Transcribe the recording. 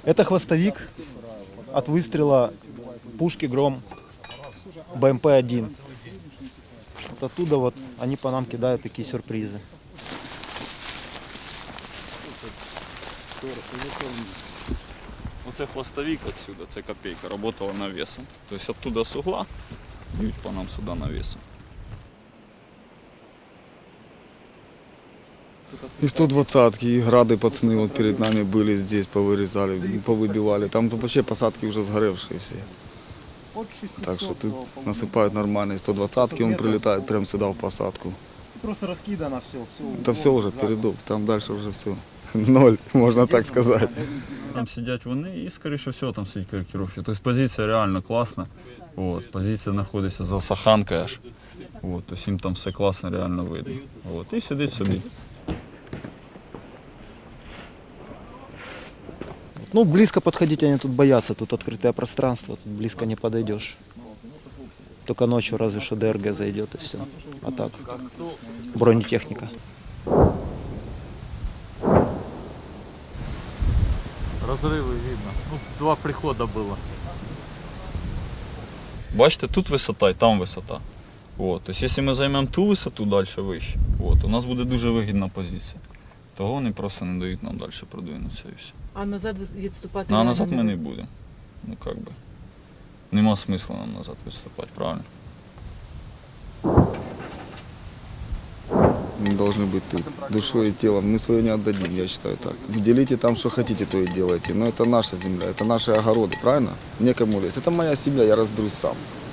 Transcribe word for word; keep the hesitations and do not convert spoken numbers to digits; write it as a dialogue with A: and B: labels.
A: Это хвостовик от выстрела пушки «Гром» бэ эм пэ один. Вот оттуда вот они по нам кидают такие сюрпризы.
B: Оце хвостовик отсюда, це копейка, работала навесом. То есть оттуда с угла бьют по нам сюда навесом.
C: И сто двадцатки, и грады пацаны вот перед нами были здесь, повырезали, повыбивали. Там вообще посадки уже сгоревшие все. Так что тут насыпают нормально. И сто двадцатки он прилетает прямо сюда в посадку.
A: Просто раскидано все. все
C: Это все уже передок, там дальше уже все. Ноль, можно так сказать.
B: Там сидять вони і, скоріше всього, там сидять корректировщики. Тобто позиція реально класна. От, позиція знаходиться за саханкою аж. От, тобто їм там все класно, реально видно. От, і сидить собі.
A: Ну, близко подходить они тут боятся, тут открытое пространство, тут близко не подойдешь. Только ночью разве что дэ эр гэ зайдет и все. А так, бронетехника.
D: Разрывы видно. Ну, два прихода было.
B: Бачите, тут висота і там висота. От, тобто, якщо ми займемо ту висоту далі вище, от, у нас буде дуже вигідна позиція. Того вони просто не дають нам далі продвинутися і все.
E: А назад відступати?
B: Ну, а
E: реально
B: назад
E: не
B: ми не
E: буде?
B: будемо. Ну, як би. Нема смисла нам назад виступати, правильно?
C: Мы должны быть тут, душой и телом. Мы свое не отдадим, я считаю так. Делите там, что хотите, то и делайте. Но это наша земля, это наши огороды, правильно? Некому лезть. Это моя семья, я разберусь сам.